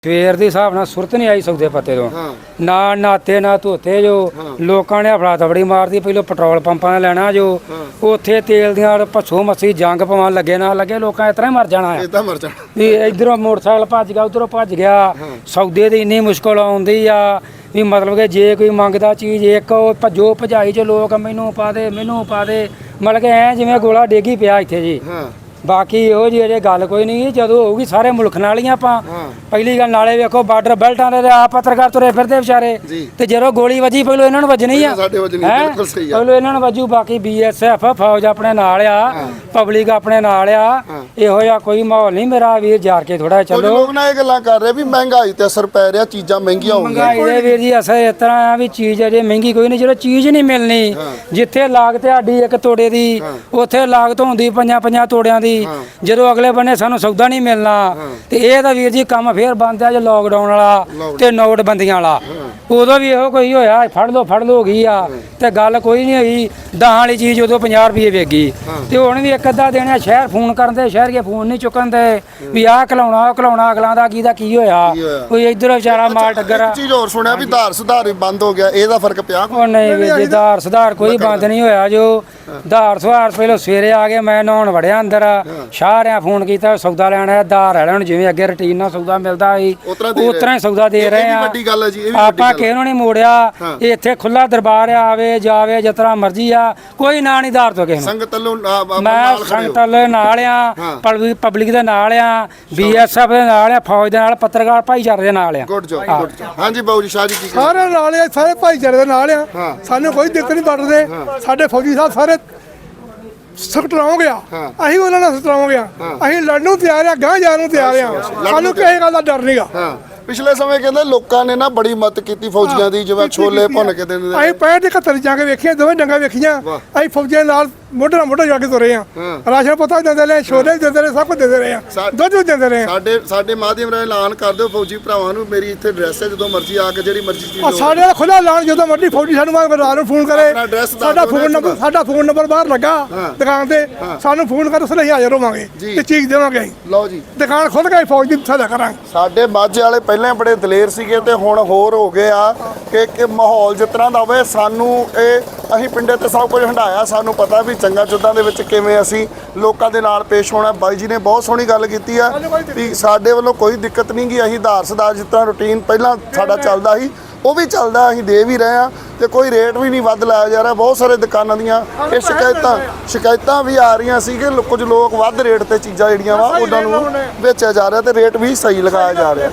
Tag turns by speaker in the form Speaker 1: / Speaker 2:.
Speaker 1: ਸਵੇਰ ਦੇ ਹਿਸਾਬ ਨਾਲ ਸੁਰਤ ਨਹੀਂ ਆਈ ਸੌਦੇ ਪੱਤੇ ਤੋਂ ਨਾ ਨਾਤੇ ਨਾ ਧੋਤੇ ਜੋ ਲੋਕਾਂ ਨੇ ਹਫੜਾ ਦਫੜੀ ਮਾਰਦੀ ਪਹਿਲਾਂ ਪੈਟਰੋਲ ਪੰਪਾਂ 'ਤੇ ਲੈਣਾ ਜੋ ਉੱਥੇ ਤੇਲ ਦੀਆਂ ਪੱਛੋ ਮੱਸੀ ਜੰਗ ਪਵਾਉਣ ਲੱਗੇ ਨਾ ਲੱਗੇ ਲੋਕਾਂ ਇਸ ਤਰ੍ਹਾਂ ਹੀ ਮਰ ਜਾਣਾ ਹੈ ਵੀ ਇੱਧਰੋਂ ਮੋਟਰਸਾਈਕਲ ਭੱਜ ਗਿਆ ਉੱਧਰੋਂ ਭੱਜ ਗਿਆ ਸੌਦੇ ਦੀ ਇੰਨੀ ਮੁਸ਼ਕਲ ਆਉਂਦੀ ਆ ਵੀ ਮਤਲਬ ਕਿ ਜੇ ਕੋਈ ਮੰਗਦਾ ਚੀਜ਼ ਇੱਕ ਭੱਜੋ ਭਜਾਈ 'ਚ ਲੋਕ ਮੈਨੂੰ ਪਾ ਦੇ ਮਤਲਬ ਕਿ ਐ ਜਿਵੇਂ ਗੋਲਾ ਡੇਗੀ ਪਿਆ ਇੱਥੇ ਜੀ ਬਾਕੀ ਇਹੋ ਜਿਹੀ ਅਜੇ ਗੱਲ ਕੋਈ ਨਹੀਂ ਜਦੋਂ ਹੋਊਗੀ ਸਾਰੇ ਮੁਲਕ ਨਾਲ ਹੀ ਆਪਾਂ ਪਹਿਲੀ ਗੱਲ ਨਾਲੇ ਵੇਖੋ ਬਾਰਡਰ ਬੈਲਟਾਂ ਦੇ ਆ ਪੱਤਰਕਾਰ ਤੁਰੇ ਫਿਰਦੇ ਵਿਚਾਰੇ ਤੇ ਜਦੋਂ ਗੋਲੀ ਵੱਜੀ ਪਹਿਲਾਂ ਇਹਨਾਂ ਨੂੰ ਵੱਜਣੀ ਆ ਪਹਿਲਾਂ ਇਹਨਾਂ ਨੂੰ ਵੱਜੂ ਬਾਕੀ BSF ਫੌਜ ਆਪਣੇ ਨਾਲ ਆ ਪਬਲਿਕ ਆਪਣੇ ਨਾਲ ਆ ਇਹੋ ਜਿਹਾ ਕੋਈ ਮਾਹੌਲ ਨਹੀਂ ਮੇਰਾ ਵੀਰ ਜਾਰ ਕੇ ਥੋੜਾ ਚੱਲੋ
Speaker 2: ਲੋਕ ਨਾ ਇਹ ਗੱਲਾਂ ਕਰ ਰਹੇ ਵੀ ਮਹਿੰਗਾਈ ਤੇ ਅਸਰ ਪੈ ਰਿਹਾ ਚੀਜ਼ਾਂ ਮਹਿੰਗੀਆਂ ਹੋ ਗਈਆਂ
Speaker 1: ਮਹਿੰਗਾਈ ਦੇ ਵੀਰ ਜੀ ਅਸਰ ਇਸ ਤਰ੍ਹਾਂ ਆ ਵੀ ਚੀਜ਼ ਅਜੇ ਮਹਿੰਗੀ ਕੋਈ ਨਹੀਂ ਜਦੋਂ ਚੀਜ਼ ਨਹੀਂ ਮਿਲਣੀ ਜਿੱਥੇ ਲਾਗਤ ਸਾਡੀ ਇੱਕ ਤੋੜੇ ਦੀ ਉੱਥੇ ਲਾਗਤ ਹੁੰਦੀ ਪੰਜਾਂ ਤੋੜਿਆਂ ਦੀ ਜਦੋਂ ਅਗਲੇ ਬੰਨੇ ਸਾਨੂੰ ਸੌਦਾ ਨਹੀਂ ਮਿਲਣਾ ਤੇ ਇਹ ਤਾਂ ਵੀਰ ਜੀ ਕੰਮ ਫੇਰ ਬੰਦ ਆ ਜੇ ਲੋਕਡਾਊਨ ਵਾਲਾ ਤੇ ਨੋਟਬੰਦੀਆਂ ਵਾਲਾ ਉਦੋਂ ਵੀ ਇਹੋ ਕੋਈ ਹੋਇਆ ਫੜ ਲੋ ਹੋ ਗਈ ਆ ਤੇ ਗੱਲ ਕੋਈ ਨਹੀਂ ਹੋਈ ਦਾਹਾਂ ਵਾਲੀ ਚੀਜ਼ ਉਦੋਂ 50 ਰੁਪਏ ਵੇਗੀ ਤੇ ਹੁਣ ਵੀ ਇੱਕ ਅੱਧਾ ਦੇਣਾ ਸ਼ਹਿਰ ਫੋਨ ਕਰਦੇ ਸ਼ਹਿਰ ਕੇ ਫੋਨ ਨਹੀਂ ਚੁੱਕਣ ਦੇ ਵੀ ਆਹ ਖਲਾਉਣਾ ਅਗਲਾਂ ਦਾ ਕੀ ਹੋਇਆ ਕੋਈ ਇੱਧਰ ਵਿਚਾਰਾ ਮਾਲ ਟੱਗਰ
Speaker 2: ਚੀਜ਼ ਹੋਰ ਸੁਣਿਆ ਵੀ ਧਾਰ ਸੁਧਾਰ ਵੀ ਬੰਦ ਹੋ ਗਿਆ ਇਹਦਾ ਫਰਕ ਪਿਆ
Speaker 1: ਉਹ ਨਹੀਂ ਵੀਰ ਜੀ ਧਾਰ ਸੁਧਾਰ ਕੋਈ ਬੰਦ ਨਹੀਂ ਹੋਇਆ ਜੋ ਧਾਰ ਸੁਧਾਰ ਪਹਿਲਾਂ ਸਵੇਰੇ ਆ ਕੇ ਮੈਂ ਨਹਾਉਣ ਵੜਿਆ ਅੰਦਰ ਸਾਰਿਆਂ ਫੋਨ ਕੀਤਾ ਸੌਦਾ ਲੈਣਾ ਧਾਰ ਵਾਲਿਆਂ ਨੂੰ ਜਿਵੇਂ ਅੱਗੇ ਰੁਟੀਨ ਨਾਲ ਸੌਦਾ ਮਿਲਦਾ ਸੀ ਉਤਰਾ ਹੀ ਸੌਦਾ ਦੇ ਰਹੇ ਆ ਆਪਾਂ ਕਿਸੇ ਨੂੰ ਨਹੀਂ ਮੋੜਿਆ ਇੱਥੇ ਖੁੱਲਾ ਦਰਬਾਰ ਆਵੇ ਜਾਵੇ ਜਿਸ ਤਰ੍ਹਾਂ ਮਰਜ਼ੀ ਆ ਕੋਈ ਨਾ ਨਹੀਂ ਧਾਰ ਤੋਂ ਕਿਸੇ ਨੂੰ ਮੈਂ ਸੰਗਤ ਨਾਲ ਆ ਪਬਲਿਕ ਦੇ ਨਾਲ ਆ BSF ਦੇ ਨਾਲ ਆ ਫੌਜ ਦੇ ਨਾਲ ਪੱਤਰਕਾਰ ਭਾਈਚਾਰੇ ਦੇ ਨਾਲ ਆ
Speaker 2: ਹਾਂਜੀ ਬਾਊ ਜੀ ਸ਼ਾਹ ਜੀ
Speaker 3: ਸਾਰੇ ਨਾਲ ਆ ਸਾਰੇ ਭਾਈਚਾਰੇ ਦੇ ਨਾਲ ਆ ਸਾਨੂੰ ਕੋਈ ਦਿੱਕਤ ਨਹੀਂ ਵੱਟਦੇ ਸਾਡੇ ਫੌਜੀ ਸਾਹਿਬ ਸਾਰੇ ਸਟਰੋਂਗ ਗਿਆ ਅਸੀਂ ਉਹਨਾਂ ਨਾਲ ਸਟਰੋਂਗ ਗਿਆ ਅਸੀਂ ਲੜਨ ਨੂੰ ਤਿਆਰ ਆ ਗਾਂ ਜਾਣ ਨੂੰ ਤਿਆਰ ਆ ਸਾਨੂੰ ਕਿਸੇ ਗੱਲ ਦਾ ਡਰ ਨਹੀਂਗਾ
Speaker 2: ਪਿਛਲੇ ਸਮੇਂ ਕਹਿੰਦੇ ਲੋਕਾਂ ਨੇ ਨਾ ਬੜੀ ਮਦਦ ਕੀਤੀ ਫੌਜੀਆਂ ਦੀ ਜਿਵੇਂ ਛੋਲੇ ਭੁੰਨ ਕੇ ਦਿੰਦੇ
Speaker 3: ਅਸੀਂ 65 71 ਜਾ ਕੇ ਵੇਖੀਆਂ ਦੋਵੇਂ ਡੰਗਾ ਵੇਖੀਆਂ ਅਸੀਂ ਫੌਜੀਆਂ ਨਾਲ ਮੋਢੇ ਨਾਲ ਮੋਢਾ ਜਾ ਕੇ ਤੁਰੇ ਆ ਰਾਸ਼ਨ ਪਤਾ ਦਿੰਦੇ ਰਹੇ ਛੋਲੇ ਦਿੰਦੇ ਰਹੇ ਸਭ ਕੁਝ ਦਿੰਦੇ ਰਹੇ ਆ ਦੁੱਧ ਵੀ ਦਿੰਦੇ ਰਹੇ
Speaker 2: ਸਾਡੇ ਮਾਧਿਅਮ ਰਾਹੀਂ ਐਲਾਨ ਕਰ ਦਿਓ ਫੌਜੀ ਭਰਾਵਾਂ ਨੂੰ ਮੇਰੀ ਇੱਥੇ ਐਡਰੈਸ ਹੈ ਜਦੋਂ ਮਰਜ਼ੀ ਆ ਕੇ ਜਿਹੜੀ ਮਰਜ਼ੀ ਚੀਜ਼
Speaker 3: ਸਾਡੇ ਦਾ ਖੁੱਲਾ ਐਲਾਨ ਜਦੋਂ ਮਰਜ਼ੀ ਫੌਜੀ ਸਾਨੂੰ ਰਾਤ ਨੂੰ ਫੋਨ ਕਰੇ ਸਾਡਾ ਫੋਨ ਨੰਬਰ ਬਾਹਰ ਲੱਗਾ ਦੁਕਾਨ ਤੇ ਸਾਨੂੰ ਫੋਨ ਕਰ ਉਸ ਲਈ ਹਾਜ਼ਰ ਹੋਵਾਂਗੇ ਤੇ ਚੀਜ਼ ਦੇਵਾਂਗੇ ਲਓ ਜੀ ਦੁਕਾਨ ਖੁੱਲ ਕੇ ਫੌਜ ਦੀ ਸਹਾਇਤਾ ਕਰਾਂਗੇ
Speaker 2: ਸਾਡੇ ਮਾਝੇ ਵਾਲੇ ਪਹਿਲਾਂ ਬੜੇ ਦਲੇਰ ਸੀਗੇ ਤੇ ਹੁਣ ਹੋਰ ਹੋ ਗਏ ਆ ਕਿ ਮਾਹੌਲ ਜਿਸ ਤਰ੍ਹਾਂ ਦਾ ਹੋਵੇ ਸਾਨੂੰ ਇਹ ਅਸੀਂ ਪਿੰਡੇ ਤੇ ਸਭ ਕੁਝ ਹੰਡਾਇਆ ਸਾਨੂੰ ਪਤਾ ਵੀ ਚੰਗਾ ਚੁੱਦਾਂ ਦੇ ਵਿੱਚ ਕਿਵੇਂ ਅਸੀਂ ਲੋਕਾਂ ਦੇ ਨਾਲ ਪੇਸ਼ ਹੋਣਾ ਬਾਈ ਜੀ ਨੇ ਬਹੁਤ ਸੋਹਣੀ ਗੱਲ ਕੀਤੀ ਆ ਵੀ ਸਾਡੇ ਵੱਲੋਂ ਕੋਈ ਦਿੱਕਤ ਨਹੀਂ ਗੀ ਅਸੀਂ ਆਧਾਰ ਸੁਧਾਰ ਜਿਸ ਤਰ੍ਹਾਂ ਰੂਟੀਨ ਪਹਿਲਾਂ ਸਾਡਾ ਚੱਲਦਾ ਸੀ ਉਹ ਵੀ ਚੱਲਦਾ ਅਸੀਂ ਦੇ ਵੀ ਰਹੇ ਆ ਤੇ ਕੋਈ ਰੇਟ ਵੀ ਨਹੀਂ ਵੱਧ ਲਾਇਆ ਜਾ ਰਿਹਾ ਬਹੁਤ ਸਾਰੇ ਦੁਕਾਨਾਂ ਦੀਆਂ ਇਹ ਸ਼ਿਕਾਇਤਾਂ ਵੀ ਆ ਰਹੀਆਂ ਸੀ ਕਿ ਕੁਝ ਲੋਕ ਵੱਧ ਰੇਟ ਤੇ ਚੀਜ਼ਾਂ ਜਿਹੜੀਆਂ ਵਾ ਉਹਨਾਂ ਨੂੰ ਵੇਚਿਆ ਜਾ ਰਿਹਾ ਤੇ ਰੇਟ ਵੀ ਸਹੀ ਲਗਾਇਆ ਜਾ ਰਿਹਾ